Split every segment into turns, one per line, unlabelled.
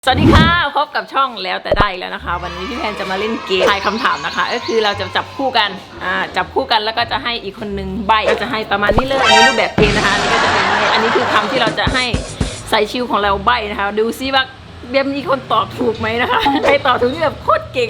สวัสดีค่ะพบกับช่องแล้วแต่ได้แล้วนะคะวันนี้พี่แพนจะมาเล่นเกมทายคำถามนะคะก็คือเราจะจับคู่กันจับคู่กันแล้วก็จะให้อีกคนนึงใบ้ก็จะให้ประมาณนี้เลยอันนี้รูปแบบเกมนะคะอันนี้ก็จะเป็นอันนี้คือคำที่เราจะให้ใส่ชิวของเราใบ้นะคะดูซิว่าเบียมมีคนตอบถูกไหมนะคะใครตอบถูกนี่แบบโคตรเก่ง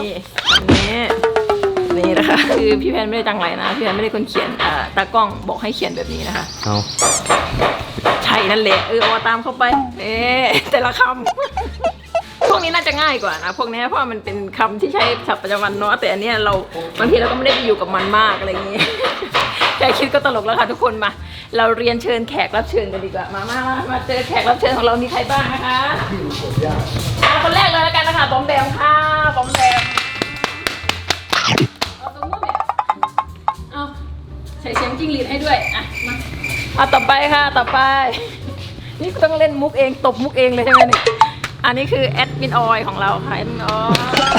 นี่นะคะคือพี่แพนไม่ได้จังไรนะพี่แพนไม่ได้คนเขียนตากล้องบอกให้เขียนแบบนี้นะคะ
เอา
ใช่นั่นแหละเอาตามเข้าไปแต่ละคำพวกนี้น่าจะง่ายกว่านะพวกนี้เพราะมันเป็นคำที่ใช้ศัพท์ประจำวันเนาะแต่อันนี้เราบางทีเราก็ไม่ได้ไปอยู่กับมันมากอะไรอย่างงี้แค่คิดก็ตลกแล้วค่ะทุกคนมาเราเรียนเชิญแขกรับเชิญกันดีกว่ามาเจอแขกรับเชิญของเรามีใครบ้างนะคะคนแรกเลยแล้วกันนะคะบอมแบมค่ะบอมแบมเอาตรงนู้นเนี่ยเอาใส่เสียงจิ้งหรีดให้ด้วยมาต่อไปค่ะต่อไปนี่ต้องเล่นมุกเองตบมุกเองเลยใช่ไหมเนี่ยอันนี้คือแอดมินออยของเราค่ะแอดมินออย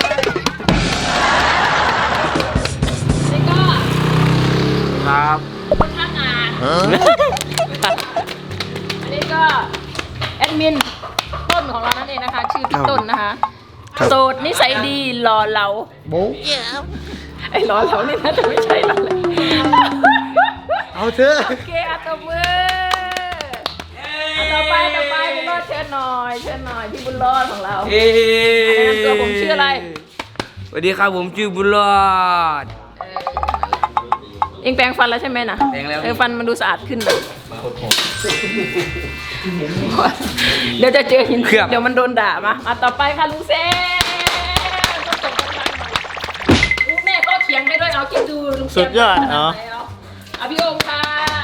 นี่ก็
ครับ
คนข้างงานอันนี้ก็แอดมินต้นของเรานั่นเองนะคะชื่อพี่ต้นนะคะโสดนิสัยดีหล่อเหลา
โบ๊ะ
ไอ้หล่อเหลานี่น่าจะไม่ใช่เราเลย
เอาเถอะ
โอเคตบมือต่อไปบุญรอดเชิญหน่อยพี่บุญรอดของเราแนะนำตัวผมชื่ออะไร
สวัสดีครับผมชื่อบุญรอด
เอ็งแปรงฟันแล้วใช่ไหมนะ
แปรงแล้ว
ฟันมันดูสะอาดขึ้นเลยเดี๋ยวจะเจอหินเดี๋ยวมันโดนด่ามาต่อไปค่ะลุงเซ่ลูกแม่ก็เถียงได้ด้วยเอาคิดดูลุงเซ่
สุดยอด
เอาพี่โอมค่ะ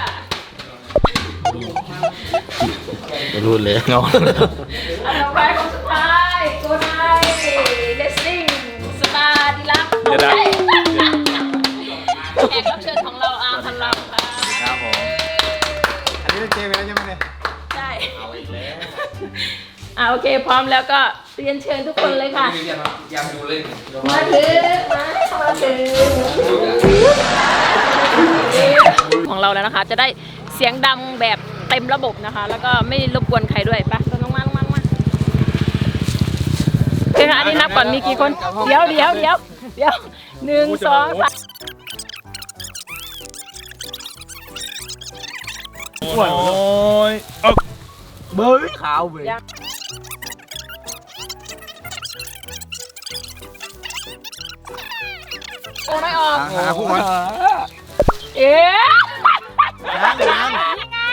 ไม่รู้เลยเงา
ต่อไปคนสุดท้ายโกไนเลสซิ่งสตาร์ดิลักแขกรับเชิญของเราอาร์มพันลำค่ะ
ครับผมอันนี้เกมแล้วใช่ไหมเนี่ย
ใช่เอาอีกแล้วโอเคพร้อมแล้วก็เรียนเชิญทุกคนเลยค่ะมาถึงของเราแล้วนะคะจะได้เสียงดังแบบเต็มระบบนะคะแล้วก็ไม่รบกวนใครด้วยปะลงมาเพื่อนอันนี้นับก่อนมีกี่คนเดี๋ยว1 2 3
โอ้ยเบยขาวเบย
โอ้ไม่ออก
คู่มัน
ยังไง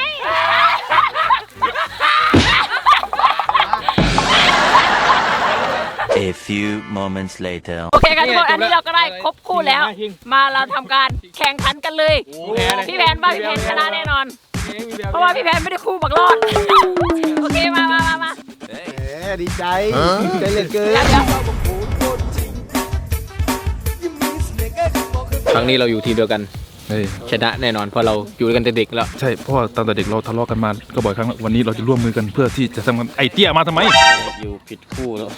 A few moments later
โอเคค่ะทุกคนอันนี้เราก็ได้ครบคู่แล้วมาเราทำการแข่งขันกันเลยพี่แพนชนะแน่นอนเพราะว่าพี่แพนไม่ได้คู่บักรอดโอเคมา
ดีใจเหลือเกินครั้งนี้เราอยู่ทีมเดียวกันชนะแน่นอนเพราะเราอยู่กันแต่เด็กแล้ว
ใช่เพราะว่าตอนแต่เด็กเราทะเลาะกันมาก็บ่อยครั้งแล้ววันนี้เราจะร่วมมือกันเพื่อที่จะทำกันไอเตี้ยมาทำไม
อยู่ผิดคู่แล้ว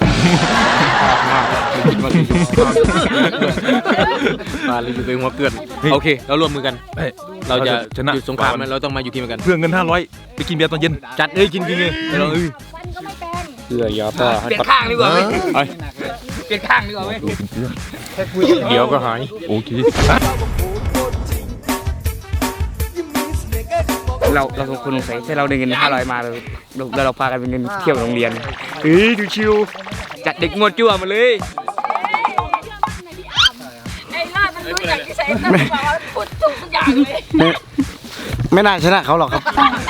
มาเลยอยู่เป็นหัวเกินโอเคเราร่วมมือกันเราจะชนะสงครามเราต้องมาอยู่ทีมกัน
เพื่อเงิน500ไปกินเบียร์ตอนเย็น
จัดกินเลยเราเพื่อยาป้า
เปลี่ยนข้างดีกว่าไหม
เปลี่ยนข้างดีกว่าไหมเดี๋ยวก็หาย
โอเค
เราสองคนใส่ถ้าเราได้เงิน500มาเราพากันไปเงินเที่ยวโรงเรียนดูชิวจัดเด็กงวดจั่วมาเลย
ไอ้ล่ามันรู้อย่างที่ใส่ต้องบอกว่าพูดถูกทุกอย่างเลย
ไม่น่าชนะเขาหรอกครับ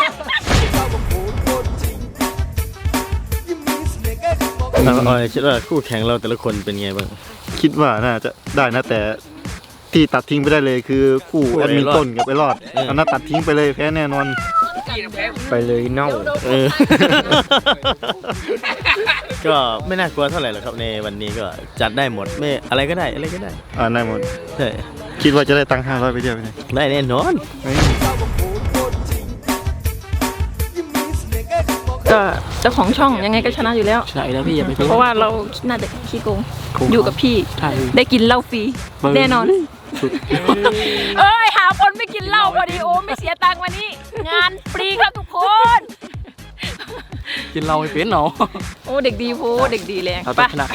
คิดว่าคู่แข่งเราแต่ละคนเป็นไงบ้าง
คิดว่าน่าจะได้นะแต่ที่ตัดทิ้งไปได้เลยคือคู่แอดมินต้นกับไอรอดเอาน่าตัดทิ้งไปเลยแพ้แน่นอน
ไปเลยเน่า
ก็ไม่น่ากลัวเท่าไหร่หรอกครับในวันนี้ก็จัดได้หมดไม่อะไรก็ได้
ได้หมด
ใช่
คิดว่าจะได้ตังค์500ไปเที่ยวไหม
ได้แน่นอน
ก็เจ้าของช่องยังไงก็ชนะอยู่แล้ว
ใช่แล้วพี่อย่าไป
เพราะว่าเราน่าจะขี้โกงอยู่กับพี่ได้กินเหล้าฟรีแน่นอนหาคนไม่กินเหล้าพอดีโอ้ไม่เสียตังค์วันนี้งานฟรีครับทุกคน
กินเราไม่เป็นเนาะ
โอ้เด็กดีโพเด็กดีแรง
เรา
ไป
ต้องชนะ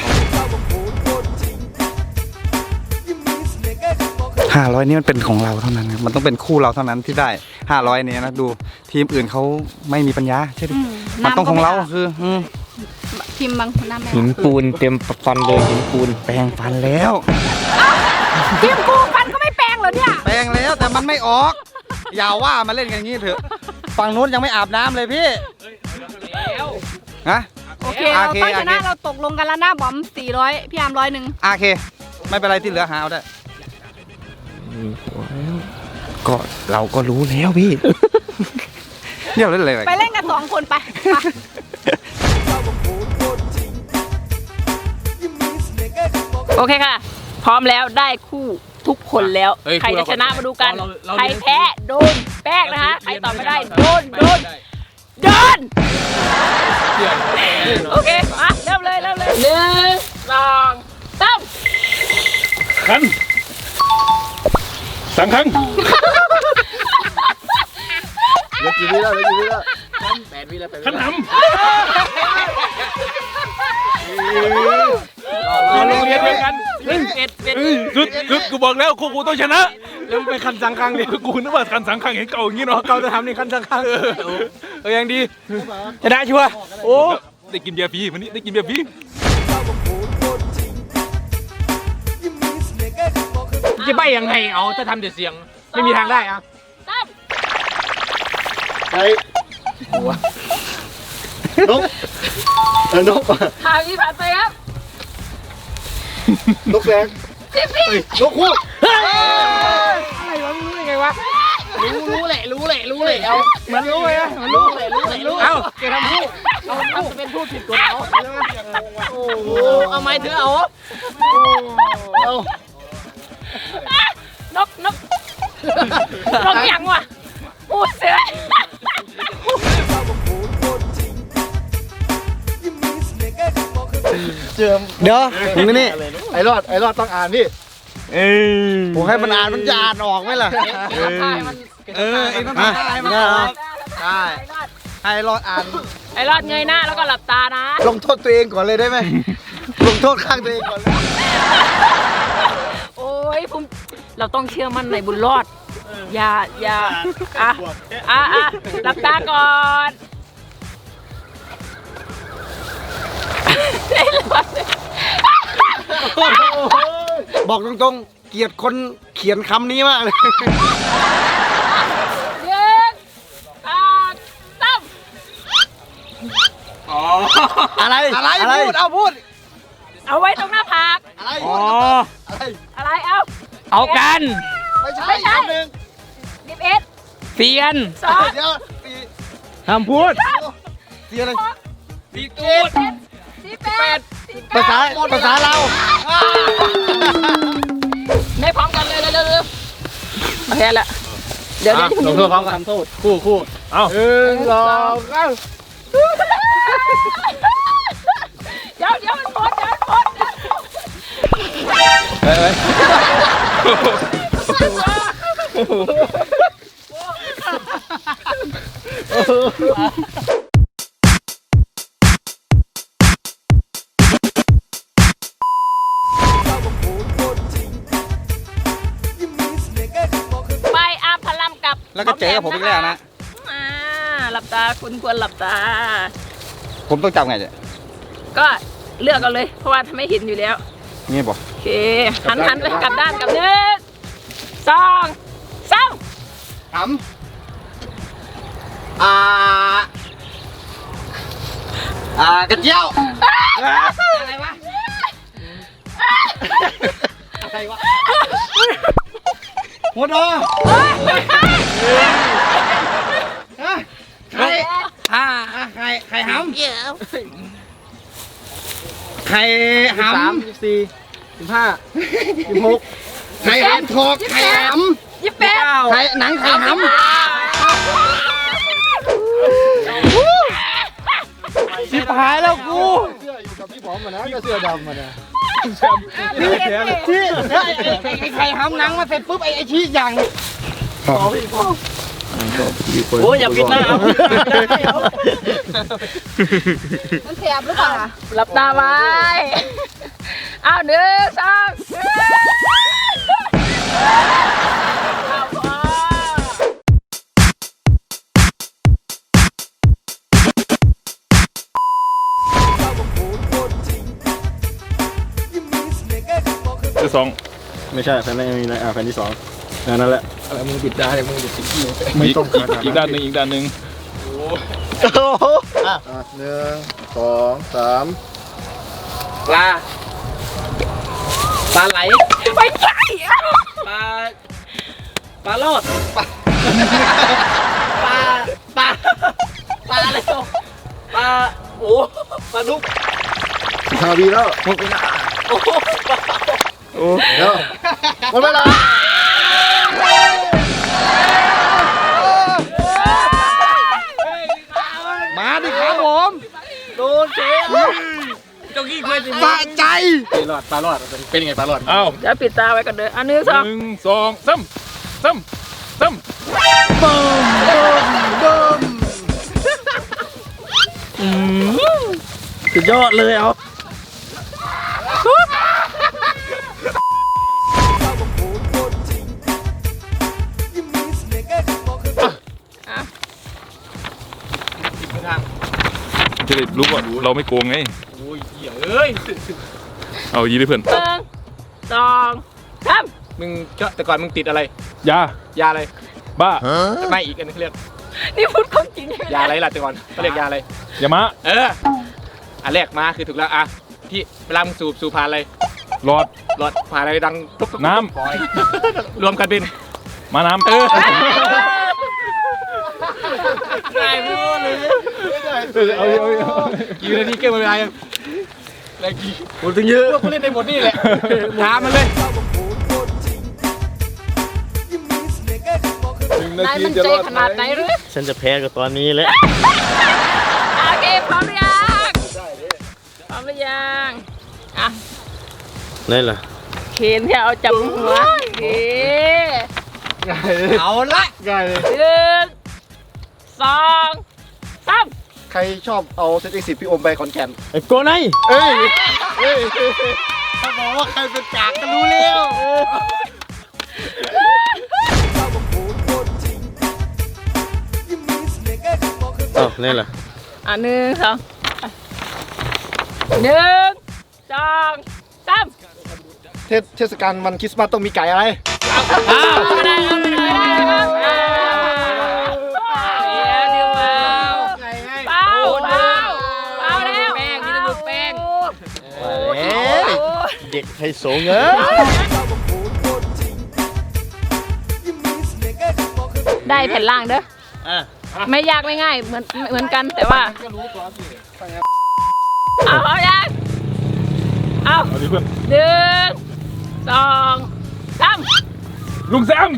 500นี่มันเป็นของเราเท่านั้นครับมันต้องเป็นคู่เราเท่านั้นที่ได้500เนี่ยนะดูทีมอื่นเขาไม่มีปัญญาใช่ไหมมันต้องของเราคือ
พิมพ์บางคนหน้าแม่
หินปูนเต็มฟันเลยหินปูนแปรงฟันแล้ว
พิมพ์กูฟันก็ไม่แปลงเหรอเนี่ย
แปรงแล้วแต่มันไม่ออก อย่าว่ามาเล่นกันอย่างนี้เถอะฝั่งนู้นยังไม่อาบน้ำเลยพี่ฮะ
โอเค เราต้องชนะเราตกลงกันแล้วนะบอม400พี่อาร์ม100
โอเค ไม่เป็นไรที่เหลือหาเอาได้ก็เราก็รู้แล้วพี่เดี๋ยวเล่นอะไร
ไปเล่นกัน2 คนไป
โอเคค่ะ พร้อมแล้วได้คู่ทุกคนแล้ว
เฮ้ย
ใครจะชนะมาดูกัน
เรา
ใครแพ้โดนแป้งนะคะใครตอบไม่ได้โดนโอเคมาเริ่มเลย1 2 3
ขัน3 ครั้ง
เหลือกี่วิแล้วเหลือกี่วิแล้ว
ขันหำ
เราโรงเรียนเดียวกัน
คือกูบอกแล้วกูต้องชนะแล้วไปคันสังคังดิกูนึกว่าคันสังคังเห็นเก่าอย่างนี้เนาะเก่าจะทำในคันสังคังยังดีชนะชัวร์โอ้ได้กินเบียร์ฟรีวันนี้ได้กินเบียร์ฟรี
จะใบยังไงเอาถ้าทำแต่เสียงไม่มีทางได้อะ
ไอ้นกนก
ทางนี้ผ่านไปครับ
นกแสงนกคู่
รู้แหละเอามันรู้เลยนะมันรู้เอาแกทำพูดเอาทำเป็นพูดผิดตัวเขาโอ้โหเอาไม้ถือเอา
นกยังวะพูดเสือ
เจิม
เดี๋ยวมึงนี่
ไอ้รอดต้องอ่านพี่
ผมให้มันอ่านมันจะอ่านออกไหมล่ะเองต้องทำอะไรมาได้ให้รอดอ่าน
ไอ้รอดเงยหน้าแล้วก็หลับตานะ
ลงโทษตัวเองก่อนเลยได้ไหมลงโทษข้างตัวเองก่อนเลย
โอ้ยผมเราต้องเชื่อมั่นในบุญรอด อย่าอ่ะหลับตาก่อนไอ้รอด
บอกตรงๆเกลียดคนเขียนคำนี้มากเลย อะไรพูดเอาพูด
เอาไว้ตรงหน้าผาก
อะไร
อะไรเอา
เอากัน
ไม่ใช่หนึ่ง
11
เสียน
2
เดี๋ยว
ห้ามพูด
เสียอะไร
18
ภาษาเรา
ไม่พร้อมกันเลยเร็วโอเคละเดี๋ยว
ลงโทษพร้อมกันทำโทษคู่
เอา
เดี๋ยวมันพ้น ไปอาพลัมกับ
แล้วก็เจ๊กับผมอีกแล้วนะ
หลับตาคุณควรหลับตา
ผมต้องจำไงเนี่ย
ก็เลือกเอาเลย เพราะว่าทำไม่เห็นอยู่แล้ว
นี่บอก
โอเคหันไปกลับด้านกับ1 2 3
ถามกระเจียวอะไรวะหัวดอไข่ไข่หำไข่หำ
14 15 16
ไข่หำทอกไข่หำ
28
ไข่หนังไข่หำชิบหายแล้วกู
เสื้ออยู่กับพี่บอมมานะก็เสื้อดำมานะ
ที่ไอ้ไข่หำหนังมาเสร็จปุ๊บไอ้ชี้อย่าง
โอ้ยอย่าปิดหน้าเอา
มันแสบหรือเปล่า
หลับตาไว้เอา1 2
ที่สอง
ไม่ใช่แฟนแรกไม่มีนะแฟนที่สองนั่นแหละ
อะไรมึงปิดได้มึงปิดไม่ต้องอีกด้านหนึ่งอีกด้านหนึ่ง
1 2 3
ปลาไหล
ไม่ใช่
ปลาลอดปลาอะไรตัวปลาโอ้ปลาดุก
15 วิแล้ว
โอ้
โอ้เดี๋ยวหมดเวลามาดิครับผม
โดนเจ๊เจ้ากี้เคยสิ
สะใจ
ปลาลอดเป็นยังไงปลาลอด
อ้าว
เดี๋ยวปิดตาไว้ก่อนเด้ออัน1 2
1 2 3
สุดยอดเลยเอา
จะได้รู้ว่าเราไม่โกงไง
โอ้ยเอ้ย
เอายีได้เพื่อน
1 2 3
มึงแต่ก่อนมึงติดอะไร
ยาย
าอะไร
บ้า
ไม่อีกอันนึงเรียก
นี่พูดความจริงใช่ไหม
ยาอะไรล่ะแต่ก่อนเขาเรียกยาอะไร
ยามะ
อันแรกมาคือถูกแล้วอ่ะที่เวลามึงสูบผ่านอะไร
หลอด
หลอดผ่านอะไรดังตุ๊บ
น้
รวมกันเป็น
มาน้ำ
ง่ายมากเลยกี่นาทีเกมเวลายังแรงกี่หมดถึงเยอะกูเล่นในหมดนี่แหละท้ามันเลย
นายมันใจขนาดไหนหรือ
ฉันจะแพ้กับตอนนี้แหละ
โอเคพร้อมหรือยังพร้อมหรือยังอ่ะ
นี่แหละ
เคนที่เอาจับหัวโอเค
เอาละ
ง่ายเลย
1 2 3
ใครชอบเอาเซตที่10พี่อมไปขอนแก่น
ไอ้โกไน
เอ้ยถ้าบอกว่าใครเป็นจากก็รู้แล้ว อ้าวนี่แหละ
อ่ะ1 2 1 2 3
เทศกาลวันคริสต์มาสต้องมีไก่อะไร
ไม่ได้ครับไม่ได้ครับเดี๋ยวเปล่าแล้วแป้งนี่จะดูแป้ง
เด็กไฮโซเงอะ
ได้แผ่นล่างเด้อไม่ยากไม่ง่ายเหมือนกันแต่ว่าเอายังเอา
เอาดิเพื่อน
1 2 3
ลุงแซม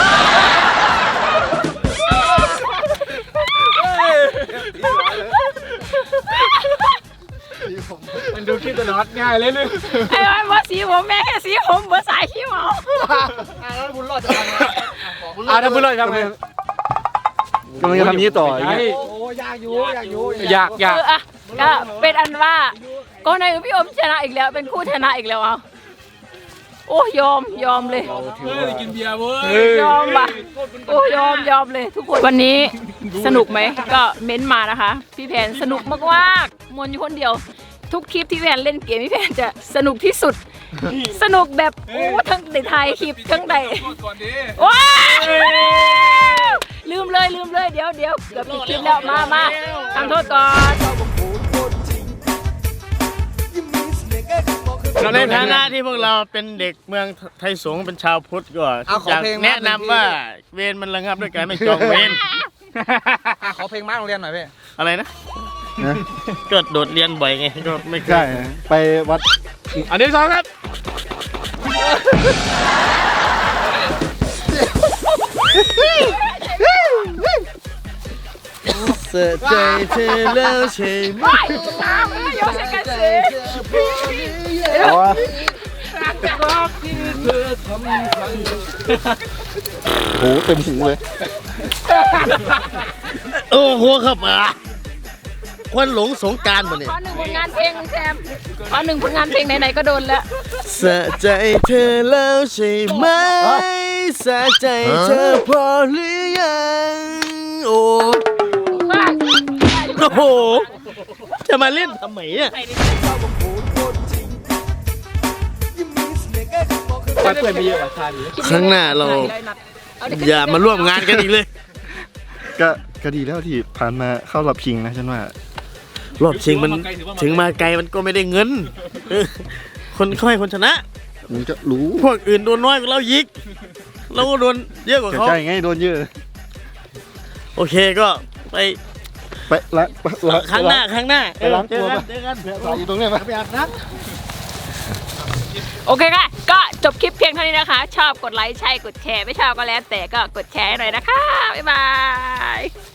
มันดูคิดตลอดง่ายเลยนึง
ไอ้วันว่าสีผมแม่แค่สีผมเบอร์สายขี้เมา
แล้วบุญรอดจะทำไงถ้าบุญรอดทำไง
กำลังจะทำนี้ต่ออย่างเงี้ย
อยาก
อ่ะก็เป็นอันว่าก็ในพี่อมชนะอีกแล้วเป็นคู่ชนะอีกแล้วเอาโอ้ยอมเลย
กินเบียร์เว้ย
ยอมว่ะโอ้ยอมเลยทุกคนวันนี้สนุกไหมก็เม้นมานะคะ พี่แพนสนุกมากๆมนอยู่คนเดียว ทุกคลิปที่พี่แพนเล่นเกมพี่แพนจะสนุกที่สุด สนุกแบบโอ้ทั้งในไทยคลิปทั้งใด
ก่อนดิ
ว้าวลืมเลยเดี๋ยวเกือบปิดคลิปแล้วมาทำโทษก่อน
เราเล่น
ในฐานะที่พวกเราเป็นเด็กเมืองไทยสงฆ์เป็นชาวพุทธก็อยากแนะนำว่าเวรมันระงับด้วยการไม่จองเวร
ขอเพลงม้าโรงเรียนหน่อยพี่
อะไรนะเกิดโดดเรียนบ่อยไงก็ไม่เค
ใช่
ย
ไปวัด
อันที่สองครับ
เสียใจเธอแล้วใช่ไหม
โยนใส่กันสิ
เอาวะโหเต็มหูเลย
โอ้โหครับควันหลงสงกรารบ่เนี่ย
ขอหนึ่งผลงานเพลงแซมขอหนึ่งผลงานเพลงไหนๆก็โดนแล้ว
สะใจเธอแล้วใช่ไหมสะใจเธอพอหรือยังโอ้โหจะมาเล่นทำไมเนี่ย
เพื่อนไปเยอะคาดี
ครั้งหน้าเราอย่ามาร่วมงานกันอีกเลย
ก็ดีแล้วที่ผ่านมาเข้ารอบชิงนะฉันว่าร
อบชิงมันถึงมาไกลมันก็ไม่ได้เงินคนค่อยคนชนะ
ผมจะรู้
พวกอื่นโดนน้อยกว่าเรายิกเราก็โดนเยอะกว่าเขา
ใช่ไงโดนเยอะ
โอเคก็ไป
ไปละ
ครั้งหน้า
ไปล้างตัว
เจอกัน
อยู่ตรงเนี้ยมา
โอเคค่ะ ก็จบคลิปเพียงเท่านี้นะคะ ชอบกดไลค์ใช่กดแชร์ไม่ชอบก็แล้วแต่ก็กดแชร์ให้หน่อยนะคะ บ๊ายบาย